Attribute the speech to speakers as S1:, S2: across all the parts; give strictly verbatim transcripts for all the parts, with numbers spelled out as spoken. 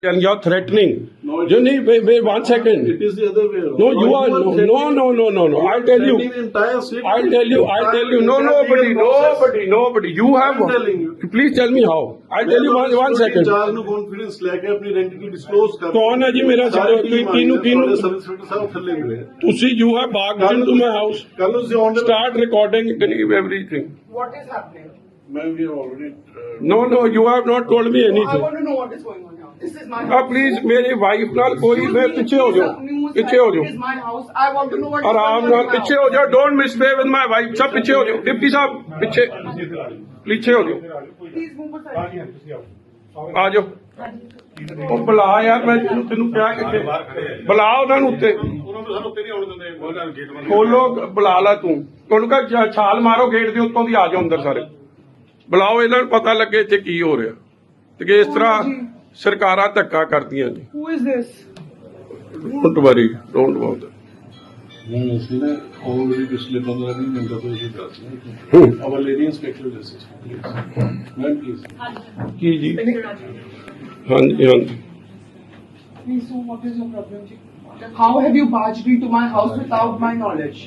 S1: And you're threatening.
S2: No, it
S1: you
S2: is-
S1: need wait, wait one second.
S2: It is the other way around.
S1: No, you
S2: Why
S1: are no,
S2: threatening-
S1: no, no, no, no, no. I'll tell you.
S2: threatening the entire city.
S1: I'll tell you. I'll tell you. No,
S2: Entire
S1: nobody,
S2: legal process.
S1: nobody, nobody. You have.
S2: I'm telling you.
S1: Please tell me how. I'll tell you one, one second.
S2: ਚਾਰ ਨੂੰ confidence ਲੈ ਕੇ ਆਪਣੀ ਆਇਡੈਂਟੀ disclose ਕਰ
S1: ਕੌਣ ਹੈ ਜੀ ਮੇਰਾ
S2: ਸਾਰੀ
S1: secretary?
S2: team ਆਈ
S1: ਕਿਹਨੂੰ-
S2: ਹੈ,
S1: ਕਿਹਨੂੰ-
S2: ਤੁਹਾਡੇ ਸਰਵਿਸ ਇੰਸਪੈਕਟਰ ਸਾਹਿਬ ਥੱਲੇ ਮਿਲੇ
S1: ਤੁਸੀਂ you have barged into my house.
S2: ਕੱਲ ਨੂੰ ਤੁਸੀਂ ਆਨ
S1: Start recording everything.
S3: What is happening?
S2: ਮੈਂ ਵੀ already
S1: No, no, you have not told me
S3: I
S1: anything.
S3: want to know what is going on now. This is my
S1: Ah,
S3: house.
S1: please, मेरी wife नाल कोई
S3: Excuse
S1: मैं
S3: me,
S1: पीछे हो
S3: please,
S1: जाओ,
S3: uh, news
S1: पीछे हो
S3: that
S1: जाओ.
S3: It is my house. I want to know what is
S1: आराम
S3: going
S1: नाल
S3: on now.
S1: पीछे हो जाओ. Don't misbehave with my wife. सब पीछे हो जाओ. डिप्टी साहब पीछे पीछे हो जाओ.
S3: Please move aside.
S1: ਆ ਜਾਓ. ਉਹ ਬੁਲਾ ਯਾਰ ਮੈਂ ਤੈਨੂੰ ਤੈਨੂੰ ਕਿਹਾ ਕਿੱਥੇ ਬੁਲਾ ਉਹਨਾਂ ਨੂੰ ਉੱਤੇ
S2: ਉਹਨਾਂ ਨੂੰ ਸਾਨੂੰ ਉੱਤੇ ਨਹੀਂ ਆਉਣ ਦਿੰਦੇ ਉਹਨਾਂ ਨੂੰ ਗੇਟ ਬੰਦ
S1: ਖੋਲੋ ਬੁਲਾ ਲਾ ਤੂੰ ਤੁਹਾਨੂੰ ਕਹ ਛਾਲ ਮਾਰੋ ਗੇਟ ਦੇ ਉੱਤੋਂ ਦੀ ਆ ਜਾਓ ਅੰਦਰ ਸਾਰੇ ਬੁਲਾਓ ਇਹਨਾਂ ਨੂੰ ਪਤਾ ਲੱਗੇ ਇੱਥੇ ਕੀ ਹੋ ਰਿਹਾ ਤੇ ਕਿ ਇਸ ਤਰ੍ਹਾਂ ਸਰਕਾਰਾਂ ਧੱਕਾ ਕਰਦੀਆਂ ਨੇ
S3: Who is this?
S1: Don't worry don't about
S2: ਨਹੀਂ ਅਸੀਂ ਨੇ ਆਲਰੇਡੀ ਪਿਛਲੇ ਪੰਦਰਾਂ ਵੀਹ ਮਿੰਟਾਂ ਤੋਂ ਇਹ ਦੱਸ ਰਹੇ ਹਾਂ our lady inspector justice please ma'am please
S1: ਕੀ ਜੀ ਹਾਂਜੀ ਹਾਂਜੀ
S3: Please, so what is your problem? ji? How have you barged into my house without my knowledge?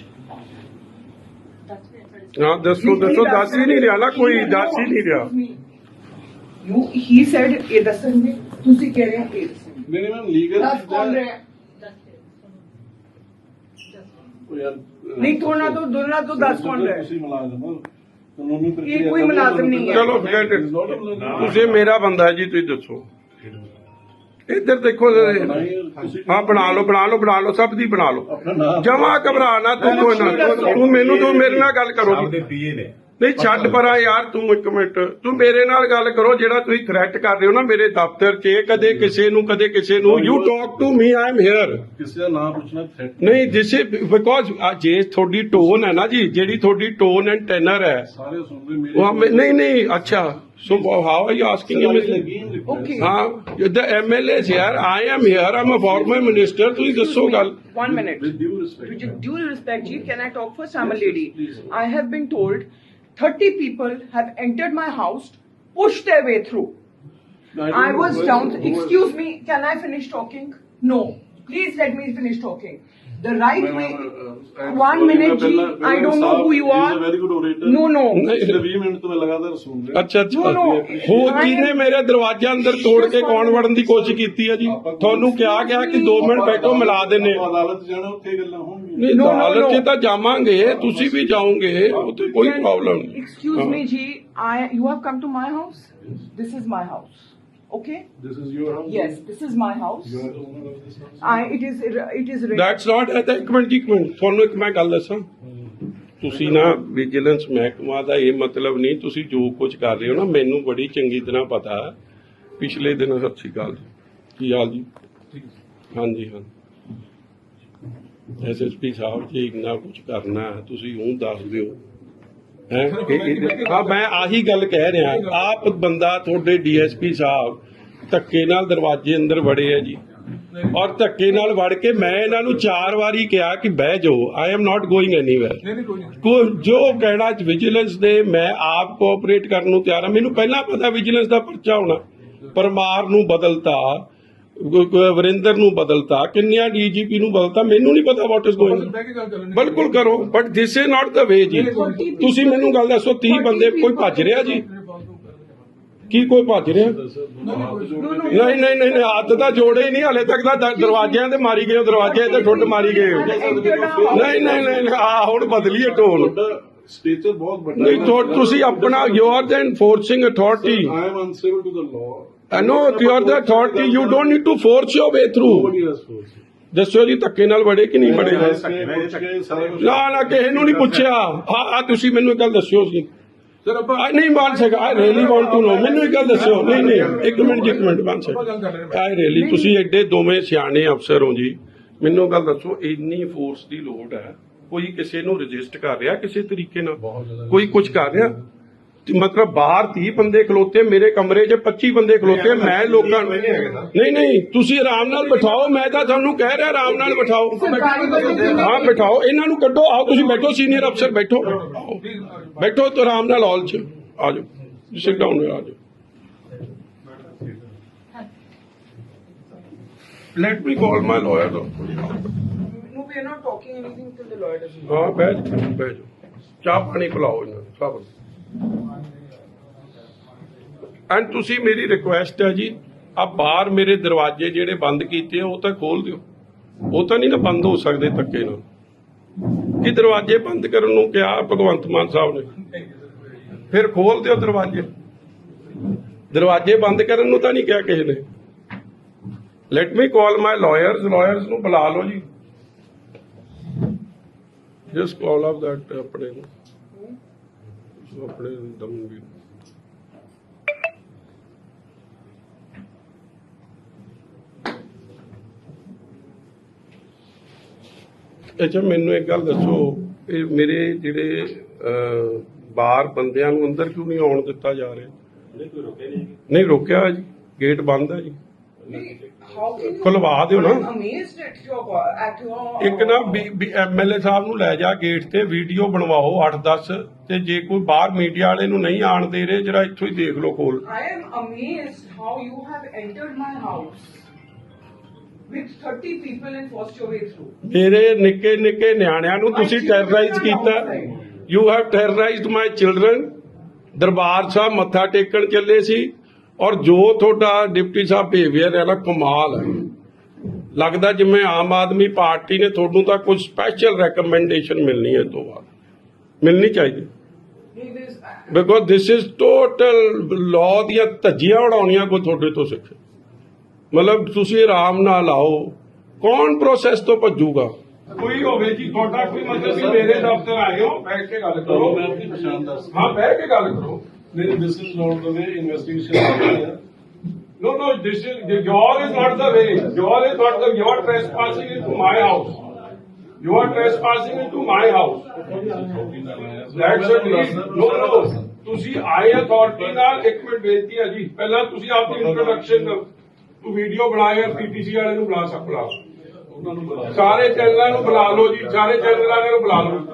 S1: ਹਾਂ ਦੱਸੋ ਦੱਸੋ ਦੱਸ ਹੀ ਨਹੀਂ ਰਿਹਾ ਨਾ ਕੋਈ ਦੱਸ ਹੀ ਨਹੀਂ ਰਿਹਾ
S3: Excuse me. You, he said, ਇਹ ਦੱਸਣਗੇ ਤੁਸੀਂ ਕਹਿ ਰਹੇ ਹੋ ਇਹ ਦੱਸਣਗੇ
S2: ਨਹੀਂ ਮੈਮ ਲੀਗਲ
S3: ਦੱਸ ਕੌਣ ਰਿਹਾ ਨਹੀਂ ਥੋੜਾ ਤੋਂ ਦੋਨਾਂ ਤੋਂ ਦੱਸ ਕੌਣ ਰਿਹਾ
S2: ਤੁਸੀਂ ਮੁਲਾਜ਼ਮ ਹੋ ਕਾਨੂੰਨੀ ਪ੍ਰਕਿਰਿਆ
S3: ਇਹ ਕੋਈ ਮੁਲਾਜ਼ਮ ਨਹੀਂ ਹੈ।
S1: ਚਲੋ forget it. ਤੁਸੀਂ ਮੇਰਾ ਬੰਦਾ ਹੈ ਜੀ ਤੁਸੀਂ ਦੱਸੋ ਇੱਧਰ ਦੇਖੋ ਹਾਂ ਬਣਾ ਲਓ ਬਣਾ ਲਓ ਬਣਾ ਲਓ ਸਭ ਦੀ ਬਣਾ ਲਓ ਜਮਾ ਘਬਰਾ ਨਾ ਤੂੰ ਕੋਈ ਨਾ ਤੂੰ ਮੈਨੂੰ ਤੂੰ ਮੇਰੇ ਨਾਲ ਗੱਲ ਕਰੋ ਜੀ
S4: ਪੀਏ ਨੇ
S1: ਨਹੀਂ ਛੱਡ ਪਰਾਂ ਯਾਰ ਤੂੰ ਇੱਕ ਮਿੰਟ ਤੂੰ ਮੇਰੇ ਨਾਲ ਗੱਲ ਕਰੋ ਜਿਹੜਾ ਤੁਸੀਂ ਥ੍ਰੈਟ ਕਰ ਰਹੇ ਹੋ ਨਾ ਮੇਰੇ ਦਫ਼ਤਰ 'ਚ ਕਦੇ ਕਿਸੇ ਨੂੰ ਕਦੇ ਕਿਸੇ ਨੂੰ you talk to me I am here
S2: ਕਿਸੇ ਦਾ ਨਾਮ ਪੁੱਛਣਾ ਥ੍ਰੈਟ
S1: ਨਹੀਂ ਦਿਸ ਇਜ਼ ਬਿਕੋਜ਼ ਜੇ ਤੁਹਾਡੀ ਟੋਨ ਹੈ ਨਾ ਜੀ ਜਿਹੜੀ ਤੁਹਾਡੀ ਟੋਨ ਐਂਡ ਟੈਨਰ ਹੈ
S2: ਸਾਰੇ ਸੁਣਦੇ ਮੇਰੇ
S1: ਉਹ ਹਮੇ- ਨਹੀਂ ਨਹੀਂ ਅੱਛਾ so how are you asking him
S3: Okay.
S1: ਹਾਂ ਦ ਐਮਐਲਏ ਯਾਰ I am here am a farmer minister ਤੁਸੀਂ ਦੱਸੋ ਗੱਲ
S3: One minute.
S2: with due respect
S3: With due respect, Ji, can I talk first? I'm a lady. I have been told thirty people have entered my house, pushed their way through. I was down. Excuse me, can I finish talking? No. Please let me finish talking. The right way. One minute, Ji. I don't know who you
S2: He is a
S3: are.
S2: very good orator.
S3: No, no.
S2: ਪਿਛਲੇ ਵੀਹ minute ਤੋਂ ਮੈਂ ਲਗਾਤਾਰ ਸੁਣ ਰਿਹਾ
S1: ਅੱਛਾ ਅੱਛਾ
S3: No, no.
S1: ਹੋ ਕਿਹਨੇ ਮੇਰੇ ਦਰਵਾਜ਼ੇ ਅੰਦਰ ਤੋੜ ਕੇ ਕੌਣ ਵੜਨ ਦੀ ਕੋਸ਼ਿਸ਼ ਕੀਤੀ ਹੈ ਜੀ ਤੁਹਾਨੂੰ ਕਿਹਾ ਗਿਆ ਕਿ ਦੋ ਮਿੰਟ ਬੈਠੋ ਮਿਲਾ ਦਿੰਨੇ
S2: ਆਪਾਂ ਅਦਾਲਤ ਜਾਣਾ ਉੱਥੇ ਗੱਲਾਂ ਹੋਣਗੀਆਂ
S1: ਨਹੀਂ
S3: No, no,
S1: ਅਦਾਲਤ 'ਚ
S3: no.
S1: ਤਾਂ ਜਾਵਾਂਗੇ ਤੁਸੀਂ ਵੀ ਜਾਓਗੇ ਉੱਥੇ ਕੋਈ
S3: Can-
S1: ਪ੍ਰੋਬਲਮ ਨਹੀਂ
S3: Excuse
S1: ਹਾਂ।
S3: me, Ji. I. You have come to my house. This is my house. Okay.
S2: This is your house.
S3: Yes, this is my house.
S2: You are the owner of this house.
S3: I. It is. It is.
S1: That's not ਇੱਕ minute ਜੀ, ਇੱਕ minute ਤੁਹਾਨੂੰ ਇੱਕ ਮੈਂ ਗੱਲ ਦੱਸਾਂ ਤੁਸੀਂ ਨਾ ਵਿਜੀਲੈਂਸ ਮਹਿਕਮਾ ਦਾ ਇਹ ਮਤਲਬ ਨਹੀਂ ਤੁਸੀਂ ਜੋ ਕੁਝ ਕਰ ਰਹੇ ਹੋ ਨਾ ਮੈਨੂੰ ਬੜੀ ਚੰਗੀ ਤਰ੍ਹਾਂ ਪਤਾ ਹੈ ਪਿਛਲੇ ਦਿਨ ਸਤਿ ਸ਼੍ਰੀ ਅਕਾਲ ਜੀ ਕੀ ਹਾਲ ਜੀ ਹਾਂਜੀ ਹਾਂ ਐਸਐਸਪੀ ਸਾਹਿਬ ਜੀ ਇੰਨਾ ਕੁਝ ਕਰਨਾ ਹੈ, ਤੁਸੀਂ ਉਹ ਦੱਸ ਦਿਓ ਹੈ ਹਾਂ ਮੈਂ ਆਹੀ ਗੱਲ ਕਹਿ ਰਿਹਾ ਆਪ ਬੰਦਾ ਤੁਹਾਡੇ ਡੀਐਸਪੀ ਸਾਹਿਬ ਧੱਕੇ ਨਾਲ ਦਰਵਾਜ਼ੇ ਅੰਦਰ ਵੜੇ ਆ ਜੀ ਔਰ ਧੱਕੇ ਨਾਲ ਵੜ ਕੇ ਮੈਂ ਇਹਨਾਂ ਨੂੰ ਚਾਰ ਵਾਰੀ ਕਿਹਾ ਕਿ ਬਹਿ ਜਾਓ I am not going anywhere ਕੋ ਜੋ ਕਹਿਣਾ ਵਿਜੀਲੈਂਸ ਦੇ ਮੈਂ ਆਪ ਕੋਆਪਰੇਟ ਕਰਨ ਨੂੰ ਤਿਆਰ ਹਾਂ ਮੈਨੂੰ ਪਹਿਲਾਂ ਪਤਾ ਵਿਜੀਲੈਂਸ ਦਾ ਪਰਚਾ ਹੋਣਾ ਪਰਮਾਰ ਨੂੰ ਬਦਲਤਾ ਵਰਿੰਦਰ ਨੂੰ ਬਦਲਤਾ ਕਿੰਨਿਆਂ ਡੀਜੀਪੀ ਨੂੰ ਬਦਲਤਾ ਮੈਨੂੰ ਨਹੀਂ ਪਤਾ ਵਾਟ ਇਜ਼ ਗੋਇੰਗ ਬਿਲਕੁਲ ਕਰੋ ਬਟ ਦਿਸ ਇਜ਼ ਨਾਟ ਦਾ ਵੇ ਜੀ ਤੁਸੀਂ ਮੈਨੂੰ ਗੱਲ ਦੱਸੋ ਤੀਹ ਬੰਦੇ ਕੋਈ ਭੱਜ ਰਿਹਾ ਜੀ ਕੀ ਕੋਈ ਭੱਜ ਰਿਹਾ ਨਹੀਂ ਨਹੀਂ ਨਹੀਂ ਹੱਥ ਤਾਂ ਜੋੜੇ ਹੀ ਨਹੀਂ ਹਲੇ ਤੱਕ ਤਾਂ ਦ- ਦਰਵਾਜ਼ਿਆਂ ਤੇ ਮਾਰੀ ਗਏ ਹੋ, ਦਰਵਾਜ਼ੇ ਤੇ ਠੁੱਡ ਮਾਰੀ ਗਏ ਹੋ। ਨਹੀਂ ਨਹੀਂ ਨਹੀਂ ਆ ਹੁਣ ਬਦਲੀਏ ਟੋਨ
S2: ਤੁਹਾਡਾ ਸਟੇਚਰ ਬਹੁਤ ਵੱਡਾ
S1: ਨਹੀਂ ਤੁਹਾ- ਤੁਸੀਂ ਆਪਣਾ you are the enforcing authority
S2: I am uncivil to the law.
S1: I know you are the authority you don't need to force your way through
S2: Nobody has forced.
S1: ਦੱਸੋ ਜੀ ਧੱਕੇ ਨਾਲ ਵੜੇ ਕਿ ਨਹੀਂ ਵੜੇ
S2: ਮੈਂ ਪੁੱਛ ਕੇ ਸਾਰਾ ਕੁਝ
S1: ਨਾ ਨਾ ਕਿਸੇ ਨੂੰ ਨਹੀਂ ਪੁੱਛਿਆ ਹਾਂ ਆ ਤੁਸੀਂ ਮੈਨੂੰ ਇੱਕ ਗੱਲ ਦੱਸਿਓ ਸੀ ਸਰ ਆਪਾਂ ਨਹੀਂ ਬਣ ਸਕਾ I really want to know ਮੈਨੂੰ ਇੱਕ ਗੱਲ ਦੱਸਿਓ ਨਹੀਂ ਨਹੀਂ ਇੱਕ ਮਿੰਟ ਇੱਕ ਮਿੰਟ ਬਣ ਸਕਾ ਆਈ ਰੀਲੀ ਤੁਸੀਂ ਐਡੇ ਦੋਵੇਂ ਸਿਆਣੇ ਅਫਸਰ ਹੋ ਜੀ ਮੈਨੂੰ ਗੱਲ ਦੱਸੋ ਇੰਨੀ ਫੋਰਸ ਦੀ ਲੋੜ ਹੈ ਕੋਈ ਕਿਸੇ ਨੂੰ ਰਜਿਸਟ ਕਰ ਰਿਹਾ ਕਿਸੇ ਤਰੀਕੇ ਨਾਲ ਕੋਈ ਕੁਝ ਕਰ ਰਿਹਾ ਮਤਲਬ ਬਾਹਰ ਤੀਹ ਬੰਦੇ ਖਲੋਤੇ ਮੇਰੇ ਕਮਰੇ 'ਚ ਪੱਚੀ ਬੰਦੇ ਖਲੋਤੇ ਮੈਂ ਲੋਕਾਂ ਨੂੰ ਨਹੀਂ ਨਹੀਂ ਤੁਸੀਂ ਆਰਾਮ ਨਾਲ ਬਿਠਾਓ ਮੈਂ ਤਾਂ ਤੁਹਾਨੂੰ ਕਹਿ ਰਿਹਾ ਆਰਾਮ ਨਾਲ ਬਿਠਾਓ ਹਾਂ ਬਿਠਾਓ ਇਹਨਾਂ ਨੂੰ ਕੱਢੋ ਆਓ ਤੁਸੀਂ ਬੈਠੋ ਸੀਨੀਅਰ ਅਫਸਰ ਬੈਠੋ ਆਓ। ਬੈਠੋ ਤੇ ਆਰਾਮ ਨਾਲ ਹਾਲ 'ਚ ਆ ਜਾਓ ਸਿਟ ਡਾਊਨ ਆ ਜਾਓ let me call my lawyer.
S3: No, we are not talking anything till the lawyer doesn't.
S1: ਹਾਂ ਬਹਿ ਜਾਓ ਬਹਿ ਜਾਓ, ਚਾਹ ਪਾਣੀ ਪਿਲਾਓ ਇਹਨਾਂ ਨੂੰ ਸਭ ਨੂੰ। ਐਂਡ ਤੁਸੀਂ ਮੇਰੀ ਰਿਕੁਐਸਟ ਹੈ ਜੀ, ਆ ਬਾਹਰ ਮੇਰੇ ਦਰਵਾਜ਼ੇ ਜਿਹੜੇ ਬੰਦ ਕੀਤੇ ਆ ਉਹ ਤਾਂ ਖੋਲ ਦਿਓ। ਉਹ ਤਾਂ ਨਹੀਂ ਨਾ ਬੰਦ ਹੋ ਸਕਦੇ ਧੱਕੇ ਨਾਲ। ਕਿ ਦਰਵਾਜ਼ੇ ਬੰਦ ਕਰਨ ਨੂੰ ਕਿਹਾ ਭਗਵੰਤ ਮਾਨ ਸਾਹਿਬ ਨੇ, ਫਿਰ ਖੋਲ ਦਿਓ ਦਰਵਾਜ਼ੇ। ਦਰਵਾਜ਼ੇ ਬੰਦ ਕਰਨ ਨੂੰ ਤਾਂ ਨਹੀਂ ਕਿਹਾ ਕਿਸੇ ਨੇ। Let me call my lawyers, lawyers ਨੂੰ ਬੁਲਾ ਲਓ ਜੀ। ਜਸਟ ਕਾਲ ਆਫ ਦੈਟ ਆਪਣੇ ਨੂੰ, ਆਪਣੇ ਦਮਨਵੀਰ। ਅੱਛਾ ਮੈਨੂੰ ਇੱਕ ਗੱਲ ਦੱਸੋ, ਇਹ ਮੇਰੇ ਜਿਹੜੇ ਅਹ, ਬਾਹਰ ਬੰਦਿਆਂ ਨੂੰ ਅੰਦਰ ਕਿਉਂ ਨਹੀਂ ਆਉਣ ਦਿੱਤਾ ਜਾ ਰਿਹਾ? ਨਹੀਂ ਰੋਕਿਆ ਜੀ, ਗੇਟ ਬੰਦ ਹੈ ਜੀ।
S3: How can you?
S1: ਖੁਲਵਾ ਦਿਓ ਨਾ।
S3: I'm amazed at your at your.
S1: ਇੱਕ ਨਾ ਐਮਐਲਏ ਸਾਹਿਬ ਨੂੰ ਲੈ ਜਾ ਗੇਟ ਤੇ, ਵੀਡੀਓ ਬਣਵਾਓ ਅੱਠ ਦਸ, ਤੇ ਜੇ ਕੋਈ ਬਾਹਰ ਮੀਡੀਆ ਵਾਲੇ ਨੂੰ ਨਹੀਂ ਆਣ ਦੇ ਰਹੇ ਜਰਾ ਇੱਥੋਂ ਹੀ ਦੇਖ ਲਓ ਕੋਲ।
S3: I am amazed how you have entered my house with thirty people and forced your way through.
S1: ਮੇਰੇ ਨਿੱਕੇ ਨਿੱਕੇ ਨਿਆਣਿਆਂ ਨੂੰ ਤੁਸੀਂ ਟੈਰਰਾਈਜ਼ ਕੀਤਾ। You have terrorized my children. Darbar Sahib ਮੱਥਾ ਟੇਕਣ ਚੱਲੇ ਸੀ, ਔਰ ਜੋ ਤੁਹਾਡਾ ਡਿਪਟੀ ਸਾਹਿਬ ਬਿਹੇਵੀਅਰ ਹੈ ਨਾ, ਕਮਾਲ ਹੈ। ਲੱਗਦਾ ਜਿਵੇਂ ਆਮ ਆਦਮੀ ਪਾਰਟੀ ਨੇ ਤੁਹਾਨੂੰ ਤਾਂ ਕੁਝ ਸਪੈਸ਼ਲ ਰეკਮੈਂਡੇਸ਼ਨ ਮਿਲਣੀ ਹੈ, ਇਹ ਤੋਂ ਬਾਅਦ ਮਿਲਣੀ ਚਾਹੀਦੀ। Because this is total law ਦੀਆਂ ਧੱਜੀਆਂ ਉਡਾਉਣੀਆਂ ਕੋਈ ਤੁਹਾਡੇ ਤੋਂ ਸਿੱਖੇ। ਮਤਲਬ ਤੁਸੀਂ ਆਰਾਮ ਨਾਲ ਆਓ, ਕੌਣ ਪ੍ਰੋਸੈਸ ਤੋਂ ਭੱਜੂਗਾ? ਕੋਈ ਹੋਵੇ ਜੀ ਤੁਹਾਡਾ ਕੋਈ ਮਤਲਬ ਕਿ ਮੇਰੇ ਦਫ਼ਤਰ ਆਏ ਹੋ, ਬੈਠ ਕੇ ਗੱਲ ਕਰੋ।
S2: ਮੈਂ ਆਪਣੀ ਪਛਾਣ ਦੱਸ।
S1: ਹਾਂ ਬੈਠ ਕੇ ਗੱਲ ਕਰੋ।
S2: ਨਹੀਂ, this is not the way investigation.
S1: No, no, this is, your is not the way. Your is not the, you are trespassing into my house. You are trespassing into my house. That's it. No, no. ਤੁਸੀਂ ਆਏ authority ਨਾਲ। ਇੱਕ minute ਬੇਨਤੀ ਹੈ ਜੀ, ਪਹਿਲਾਂ ਤੁਸੀਂ ਆਪਣੀ ਇੰਟਰੋਡਕਸ਼ਨ ਤੂੰ ਵੀਡੀਓ ਬਣਾਇਆ, ਪੀਟੀਸੀ ਵਾਲੇ ਨੂੰ ਬੁਲਾ ਸਕਦਾ,
S2: ਉਹਨਾਂ ਨੂੰ ਬੁਲਾ
S1: ਸਾਰੇ ਚੈਨਲਾਂ ਨੂੰ ਬੁਲਾ ਲਓ ਜੀ, ਸਾਰੇ ਚੈਨਲ ਵਾਲਿਆਂ ਨੂੰ ਬੁਲਾ ਲਓ।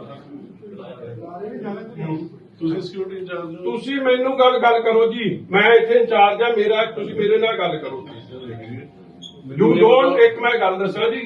S2: ਤੁਸੀਂ ਸਿਕਿਉਰਿਟੀ ਇੰਚਾਰਜ ਹੋ।
S1: ਤੁਸੀਂ ਮੈਨੂੰ ਗੱਲ ਗੱਲ ਕਰੋ ਜੀ, ਮੈਂ ਇੱਥੇ ਇੰਚਾਰਜ ਆ ਮੇਰਾ, ਤੁਸੀਂ ਮੇਰੇ ਨਾਲ ਗੱਲ ਕਰੋ। ਯੂ ਡੋਂਟ, ਇੱਕ ਮੈਂ ਗੱਲ ਦੱਸਾਂ ਜੀ,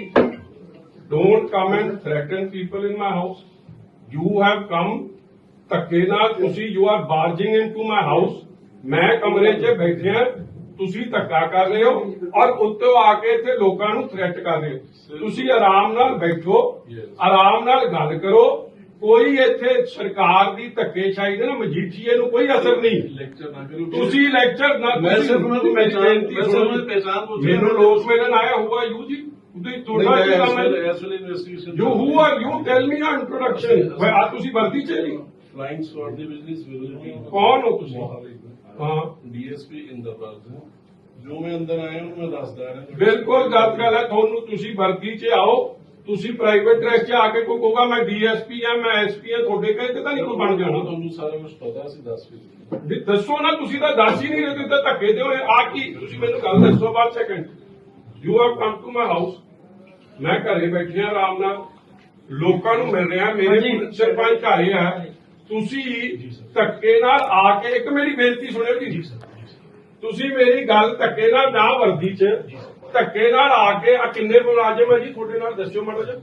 S1: don't come and threaten people in my house. You have come ਧੱਕੇ ਨਾਲ, ਤੁਸੀਂ you are barging into my house. ਮੈਂ ਕਮਰੇ 'ਚ ਬੈਠਿਆ, ਤੁਸੀਂ ਧੱਕਾ ਕਰ ਰਹੇ ਹੋ, ਔਰ ਉੱਤੋਂ ਆ ਕੇ ਇੱਥੇ ਲੋਕਾਂ ਨੂੰ ਥ੍ਰੈਟ ਕਰ ਰਹੇ ਹੋ। ਤੁਸੀਂ ਆਰਾਮ ਨਾਲ ਬੈਠੋ, ਆਰਾਮ ਨਾਲ ਗੱਲ ਕਰੋ। ਕੋਈ ਇੱਥੇ ਸਰਕਾਰ ਦੀ ਧੱਕੇਸ਼ਾਹੀ ਦੇ ਨਾ ਮਜੀਠੀਏ ਨੂੰ ਕੋਈ ਅਸਰ ਨਹੀਂ।
S2: ਲੈਕਚਰ ਨਾ ਕਰੋ
S1: ਤੁਸੀਂ ਲੈਕਚਰ ਨਾ,
S2: ਮੈਂ ਸਿਰਫ ਉਹਨਾਂ ਦੀ
S1: ਮੇਰੀ
S2: ਪਹਿਚਾਣ
S1: ਬੇਨਤੀ
S2: ਮੈਂ
S1: ਸੁਣੋ।
S2: ਸਿਰਫ ਉਹਨਾਂ ਦੀ ਪਹਿਚਾਣ ਪੁੱਛ ਰਿਹਾ।
S1: ਮੈਨੂੰ ਲੋਕ ਮਿਲਣ ਆਇਆ ਹੋਊਗਾ ਯੂ ਜੀ, ਤੁਸੀਂ ਤੁਹਾਡਾ ਕੀ ਕੰਮ ਹੈ?
S2: ਇਸ ਵੇਲੇ investigation
S1: you who are you, tell me your introduction. ਆ ਤੁਸੀਂ ਵਰਦੀ ਚ ਜੀ
S2: ਫਲਾਈਂਗ ਸਵਾਰਡ ਦੀ ਬਿਜ਼ਨਸ ਵਿਜ਼ਿਟ।
S1: ਕੌਣ ਹੋ ਤੁਸੀਂ? ਹਾਂ
S2: ਡੀਐਸਪੀ ਇੰਦਰਪਾਲ ਸਿੰਘ। ਜੋ ਮੈਂ ਅੰਦਰ ਆਇਆ ਉਹਨੂੰ ਮੈਂ ਦੱਸਦਾ ਰਿਹਾ।
S1: ਬਿਲਕੁਲ ਗਲਤ ਗੱਲ ਹੈ। ਤੁਹਾਨੂੰ ਤੁਸੀਂ ਵਰਦੀ ਚ ਆਓ, ਤੁਸੀਂ ਪ੍ਰਾਈਵੇਟ ਡਰੈਸ 'ਚ ਆ ਕੇ ਕੋਈ ਕਹੂਗਾ ਮੈਂ ਡੀਐਸਪੀ ਆ, ਮੈਂ ਐਸਪੀ ਆ, ਤੁਹਾਡੇ ਕਹੇ ਤੇ ਤਾਂ ਨਹੀਂ ਕੋਈ ਬਣ ਜਾਣਾ।
S2: ਤੁਹਾਨੂੰ ਸਾਰਾ ਕੁਝ ਪਤਾ ਸੀ, ਦੱਸ ਵੀ
S1: ਵੀ ਦੱਸੋ ਨਾ, ਤੁਸੀਂ ਤਾਂ ਦੱਸ ਹੀ ਨਹੀਂ ਰਹੇ, ਤੁਸੀਂ ਤਾਂ ਧੱਕੇ ਦੇ ਹੋਏ ਆ। ਕੀ ਤੁਸੀਂ ਮੈਨੂੰ ਗੱਲ ਦੱਸੋ ਬਾਅਦ second. You have come to my house, ਮੈਂ ਘਰੇ ਬੈਠਿਆ ਆਰਾਮ ਨਾਲ, ਲੋਕਾਂ ਨੂੰ ਮਿਲ ਰਿਹਾ, ਮੇਰੇ ਸਰਪੰਚ ਘਰੇ ਆ, ਤੁਸੀਂ ਧੱਕੇ ਨਾਲ ਆ ਕੇ, ਇੱਕ ਮੇਰੀ ਬੇਨਤੀ ਸੁਣਿਓ ਜੀ, ਤੁਸੀਂ ਮੇਰੀ ਗੱਲ ਧੱਕੇ ਨਾਲ ਨਾ ਵਰਦੀ 'ਚ ਧੱਕੇ ਨਾਲ ਆ ਕੇ, ਆ ਕਿੰਨੇ ਮੁਲਾਜ਼ਮ ਹੈ ਜੀ ਤੁਹਾਡੇ ਨਾਲ, ਦੱਸਿਓ ਮਾੜਾ ਜਿਹਾ।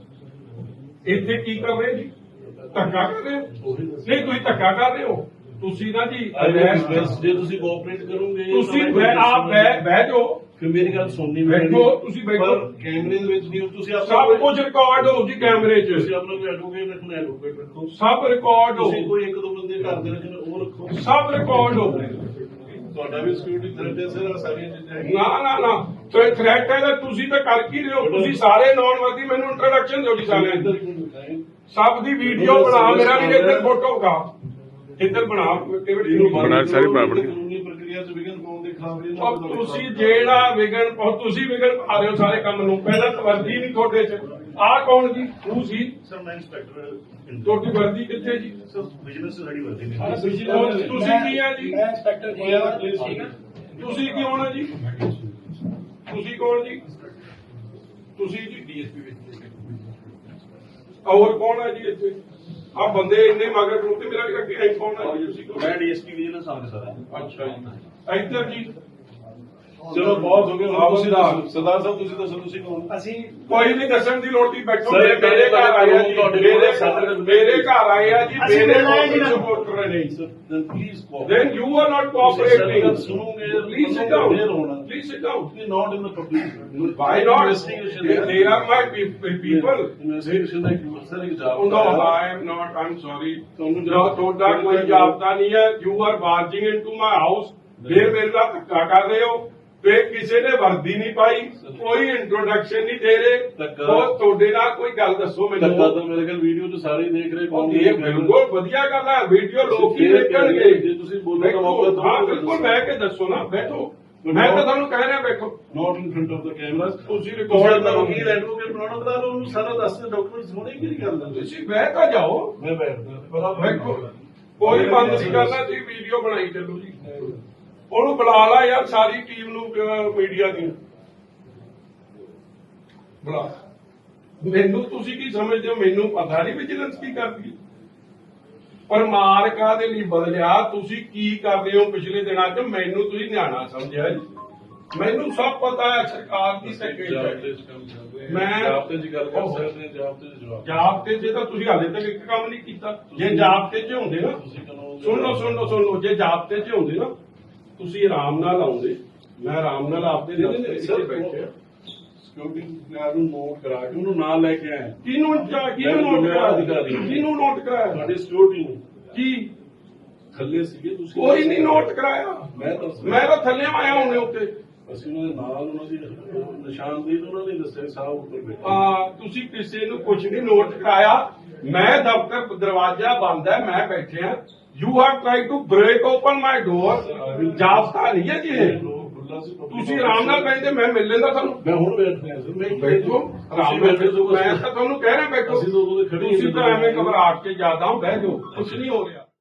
S1: ਇੱਥੇ ਕੀ ਕਰ ਰਹੇ ਜੀ? ਧੱਕਾ ਕਰ ਰਹੇ ਹੋ? ਨਹੀਂ ਤੁਸੀਂ ਧੱਕਾ ਕਰ ਰਹੇ ਹੋ। ਤੁਸੀਂ ਨਾ ਜੀ
S2: ਜੇ ਤੁਸੀਂ ਕੋਆਪਰੇਟ ਕਰੋਗੇ,
S1: ਤੁਸੀਂ ਆਪ ਬਹਿ ਬਹਿ ਜਾਓ,
S2: ਫਿਰ ਮੇਰੀ ਗੱਲ ਸੁਣਨੀ
S1: ਬੈਠੋ, ਤੁਸੀਂ ਬੈਠੋ।
S2: ਕੈਮਰੇ ਦੇ ਵਿੱਚ ਨਹੀਂ, ਤੁਸੀਂ
S1: ਸਭ ਕੁਝ ਰਿਕਾਰਡ ਹੋਊ ਜੀ ਕੈਮਰੇ 'ਚ,
S2: ਤੁਸੀਂ ਆਪਣਾ ਕੋਈ ਐਡਵੋਕੇਟ ਰੱਖਣਾ, ਐਡਵੋਕੇਟ ਰੱਖੋ।
S1: ਸਭ ਰਿਕਾਰਡ ਹੋਊ,
S2: ਤੁਸੀਂ ਕੋਈ ਇੱਕ ਦੋ ਬੰਦੇ ਘਰ ਦੇ ਰੱਖਣੇ ਉਹ ਰੱਖੋ।
S1: ਸਭ ਰਿਕਾਰਡ ਹੋਊ।
S2: ਤੁਹਾਡਾ ਵੀ ਸਿਕਿਉਰਿਟੀ ਥ੍ਰੈਟ ਹੈ ਸਰ, ਸਾਰੀਆਂ ਚੀਜ਼ਾਂ ਹੈਗੀਆਂ।
S1: ਨਾ ਨਾ ਨਾ ਥ੍ਰੈਟ ਹੈ ਤਾਂ ਤੁਸੀਂ ਤਾਂ ਕਰ ਕੀ ਰਹੇ ਹੋ? ਤੁਸੀਂ ਸਾਰੇ ਨੌਨ ਵਰਦੀ, ਮੈਨੂੰ ਇੰਟਰੋਡਕਸ਼ਨ ਦਿਓ ਜੀ ਸਾਰਿਆਂ ਦੀ। ਸਭ ਦੀ ਵੀਡੀਓ ਬਣਾ, ਮੇਰਾ ਵੀ ਇੱਧਰ ਫੋਟੋ ਕਾ ਇੱਧਰ ਬਣਾ,
S2: ਬਣਾ ਸਾਰੀ ਕਾਨੂੰਨੀ ਪ੍ਰਕਿਰਿਆ ਚ ਵਿਘਨ ਪਾਉਣ ਦੇ ਖਿਲਾਫ
S1: ਔਰ ਤੁਸੀਂ ਜਿਹੜਾ ਵਿਗਨ ਔਰ ਤੁਸੀਂ ਵਿਗਨ ਪਾ ਰਹੇ ਹੋ ਸਾਰੇ ਕੰਮ ਨੂੰ। ਪਹਿਲਾਂ ਤਾਂ ਵਰਦੀ ਨਹੀਂ ਤੁਹਾਡੇ 'ਚ। ਆਹ ਕੌਣ ਜੀ? ਤੂੰ ਸੀ?
S2: ਸਰ ਮੈਂ ਇੰਸਪੈਕਟਰ।
S1: ਤੁਹਾਡੀ ਵਰਦੀ ਕਿੱਥੇ ਜੀ?
S2: ਸਰ ਬਿਜ਼ਨਸ ਸਾਡੀ ਵਰਦੀ ਨਹੀਂ।
S1: ਤੁਸੀਂ ਕੀ ਆ ਜੀ?
S2: ਮੈਂ ਇੰਸਪੈਕਟਰ ਹੋਇਆ ਪਲੀਜ਼।
S1: ਤੁਸੀਂ ਕੀ ਹੋਣਾ ਜੀ? ਤੁਸੀਂ ਕੌਣ ਜੀ? ਤੁਸੀਂ ਜੀ ਡੀਐਸਪੀ ਵਿੱਚ। ਹੋਰ ਕੌਣ ਹੈ ਜੀ ਇੱਥੇ? ਆ ਬੰਦੇ ਇੰਨੇ ਮਗਰ ਨੂੰ ਤੇ ਮੇਰਾ ਅੱਗੇ ਕੌਣ ਹੈ ਜੀ? ਤੁਸੀਂ ਕੌਣ?
S2: ਮੈਂ ਡੀਐਸਪੀ ਵਿਜੀਲੈਂਸ ਆਫਿਸਰ ਹਾਂ।
S1: ਅੱਛਾ ਜੀ। ਇੱਧਰ ਜੀ
S2: ਚਲੋ ਬਹੁਤ ਹੋ ਗਿਆ ਹੁਣ
S1: ਆਪ
S2: ਤੁਸੀਂ
S1: ਦਾ।
S2: ਦੱਸੋ ਸਰਦਾਰ ਸਾਹਿਬ ਤੁਸੀਂ ਦੱਸੋ ਤੁਸੀਂ ਕੌਣ
S4: ਅਸੀਂ
S1: ਕੋਈ ਨਹੀਂ ਦੱਸਣ ਦੀ ਲੋੜ ਨਹੀਂ, ਬੈਠੋ।
S2: ਸਰ,
S1: ਮੇਰੇ ਮੇਰੇ ਘਰ ਆਏ ਆ ਜੀ,
S2: ਤੁਹਾਡੇ
S1: ਮੇਰੇ
S2: ਕੋਲ
S1: ਮੇਰੇ ਘਰ ਆਏ ਆ ਜੀ,
S4: ਅਸੀਂ
S1: ਮੇਰੇ
S4: ਮਿਲਣਾ ਹੈ ਜੀ ਨਾ।
S1: ਸਪੋਰਟਰ ਨੇ।
S2: then please cooperate.
S1: Then you are not
S2: ਤੁਸੀਂ
S1: cooperating.
S2: ਗੱਲ ਸੁਣੋਗੇ
S1: Please sit
S2: ਤੁਹਾਨੂੰ
S1: down.
S2: ਫੇਰ ਹੋਣਾ।
S1: Please sit down.
S2: You're not in the public.
S1: Why not?
S2: Investigation
S1: They they are my pe- pe- people.
S2: Investigation ਦਾ ਇੱਕ sir ਇੱਕ
S1: Oh,
S2: ਜਾਬ
S1: no, I am not. I'm sorry.
S2: ਤੁਹਾਨੂੰ
S1: No, ਤੁਹਾਡਾ ਕੋਈ ਜਾਬਤਾ ਨਹੀਂ ਹੈ। You are barging into my house. ਫਿਰ ਮੇਰੇ ਨਾਲ ਧੱਕਾ ਕਰ ਰਹੇ ਹੋ। ਫਿਰ ਕਿਸੇ ਨੇ ਵਰਦੀ ਨਹੀਂ ਪਾਈ, ਕੋਈ ਇੰਟਰੋਡਕਸ਼ਨ ਨਹੀਂ ਦੇ ਰਹੇ।
S2: ਧੱਕਾ-
S1: ਉਹ ਤੁਹਾਡੇ ਨਾਲ ਕੋਈ ਗੱਲ ਦੱਸੋ
S2: ਧੱਕਾ
S1: ਮੈਨੂੰ।
S2: ਤਾਂ ਮੇਰੇ ਖਿਆਲ ਵੀਡੀਓ 'ਚ ਸਾਰੇ ਹੀ ਦੇਖ ਰਹੇ
S1: ਉਹ ਇਹ ਬਿਲਕੁਲ ਵਧੀਆ ਗੱਲ ਹੈ, ਵੀਡੀਓ ਲੋਕ ਹੀ ਦੇਖਣਗੇ।
S2: ਜੇ ਤੁਸੀਂ ਬੋਲੋ ਤਾਂ ਮੌਕਾ ਦਿਓ।
S1: ਹਾਂ ਬਿਲਕੁਲ, ਬਹਿ ਕੇ ਦੱਸੋ ਨਾ, ਬੈਠੋ। ਮੈਂ ਤਾਂ ਤੁਹਾਨੂੰ ਕਹਿ ਰਿਹਾ ਬੈਠੋ।
S2: Not in front of the camera
S1: ਤੁਸੀਂ
S2: ਕੋਲ
S1: ਰਿਕਾਰਡ
S2: ਦਾ
S1: ਕਰੋ।
S2: ਵਕੀਲ ਐਡਵੋਕੇਟ ਬਣਾਉਣਾ ਕਰਾ ਲਓ, ਉਹਨੂੰ ਸਾਰਾ ਦੱਸ ਦੇ ਡਾਕੂਮੈਂਟਸ ਹੋਣੇ ਕੀ ਗੱਲ ਹੈ।
S1: ਤੁਸੀਂ ਬਹਿ ਤਾਂ ਜਾਓ।
S2: ਮੈਂ ਬੈਠਦਾ
S1: ਬੈਠੋ, ਕੋਈ ਬੰਦ ਨਹੀਂ ਕਰਨਾ ਜੀ, ਵੀਡੀਓ ਬਣਾਈ ਚੱਲੋ ਜੀ। ਉਹਨੂੰ ਬੁਲਾ ਲਾ ਯਾਰ, ਸਾਰੀ ਟੀਮ ਨੂੰ ਮੀਡੀਆ ਦੀ ਬੁਲਾ। ਮੈਨੂੰ ਤੁਸੀਂ ਕੀ ਸਮਝਦੇ ਹੋ? ਮੈਨੂੰ ਪਤਾ ਨਹੀਂ ਵਿਜੀਲੈਂਸ ਕੀ ਕਰਦੀ ਹੈ। ਪਰ ਮਾਰ ਕਾਹਦੇ ਲਈ ਬਦਲਿਆ? ਤੁਸੀਂ ਕੀ ਕਰ ਰਹੇ ਹੋ ਪਿਛਲੇ ਦਿਨਾਂ 'ਚ? ਮੈਨੂੰ ਤੁਸੀਂ ਨਿਆਣਾ ਸਮਝਿਆ ਜੀ। ਮੈਨੂੰ ਸਭ ਪਤਾ ਹੈ, ਸਰਕਾਰ ਦੀ ਸੈਕਟਰੀ ਮੈਂ-
S2: ਜਾਬਤੇ ਦੀ ਗੱਲ ਕਰ ਸਕਦੇ ਹਾਂ, ਜਾਬਤੇ ਦੇ ਜਵਾਬ
S1: ਜਾਬਤੇ 'ਚ ਤਾਂ ਤੁਸੀਂ ਹਾਲੇ ਤੱਕ ਇੱਕ ਕੰਮ ਨਹੀਂ ਕੀਤਾ। ਜੇ ਜਾਬਤੇ 'ਚ ਹੁੰਦੇ ਨਾ,
S2: ਤੁਸੀਂ ਕਾਨੂੰਨ
S1: ਸੁਣ ਲਓ ਸੁਣ ਲਓ ਸੁਣ ਲਓ, ਜੇ ਜਾਬਤੇ 'ਚ ਹੁੰਦੇ ਨਾ, ਤੁਸੀਂ ਆਰਾਮ ਨਾਲ ਆਉਂਦੇ। ਮੈਂ ਆਰਾਮ ਨਾਲ ਆਪਦੇ
S2: ਨਹੀਂ, ਨਹੀਂ,
S1: ਦਫ਼ਤਰ 'ਚ
S2: ਸਰ,
S1: ਬੈਠੇ ਆ।
S2: ਸਿਕਿਉਰਿਟੀ ਗਾਰਡ ਨੂੰ ਨੋਟ ਕਰਾ ਕੇ ਉਹਨੂੰ ਨਾਲ ਲੈ ਕੇ ਆਏ
S1: ਕਿਹਨੂੰ ਚਾ- ਕਿਹਨੂੰ ਨੋਟ ਕਰਾਇਆ? ਕਿਹਨੂੰ ਨੋਟ ਕਰਾਇਆ?
S2: ਤੁਹਾਡੀ ਸਿਕਿਉਰਿਟੀ ਨੂੰ
S1: ਕੀ
S2: ਥੱਲੇ ਸੀਗੇ ਤੁਸੀਂ
S1: ਕੋਈ ਨਹੀਂ ਨੋਟ ਕਰਾਇਆ।
S2: ਮੈਂ ਤਾਂ
S1: ਮੈਂ ਤਾਂ ਥੱਲੇ ਆਇਆ ਹੁਣੇ ਉੱਤੇ।
S2: ਅਸੀਂ ਉਹਨਾਂ ਦੇ ਨਾਲ ਉਹਨਾਂ ਦੀ ਨਿਸ਼ਾਨਦੇਹੀ ਤਾਂ ਉਹਨਾਂ ਨੇ ਦੱਸਿਆ ਸਾਹਿਬ ਉੱਪਰ ਬੈਠੇ
S1: ਆ ਤੁਸੀਂ ਕਿਸੇ ਨੂੰ ਕੁਝ ਨਹੀਂ ਨੋਟ ਕਰਾਇਆ। ਮੈਂ ਦਫ਼ਤਰ ਦਰਵਾਜ਼ਾ ਬੰਦ ਹੈ, ਮੈਂ ਬੈਠਿਆ। You have try to break open my door. ਜਾਬਤਾ ਨਹੀਂ ਹੈ ਜੀ ਇਹ। ਤੁਸੀਂ ਆਰਾਮ ਨਾਲ ਬੈਠੇ, ਮੈਂ ਮਿਲ ਲੈਂਦਾ ਤੁਹਾਨੂੰ।
S2: ਮੈਂ ਹੁਣ ਬੈਠ ਰਿਹਾ ਸਰ, ਮੈਂ
S1: ਬੈਠੋ ਆਰਾਮ ਨਾਲ ਬੈਠੋ। ਮੈਂ ਤਾਂ ਤੁਹਾਨੂੰ ਕਹਿ ਰਿਹਾ ਬੈਠੋ।
S2: ਅਸੀਂ ਤਾਂ ਉਦੋਂ ਦੇ ਖੜੇ ਹੀ
S1: ਤੁਸੀਂ ਤਾਂ ਐਵੇਂ ਘਬਰਾਹਟ ਕੇ ਜ਼ਿਆਦਾ ਹੋ, ਬਹਿ ਜਾਓ, ਕੁਝ ਨਹੀਂ ਹੋ ਰਿਹਾ।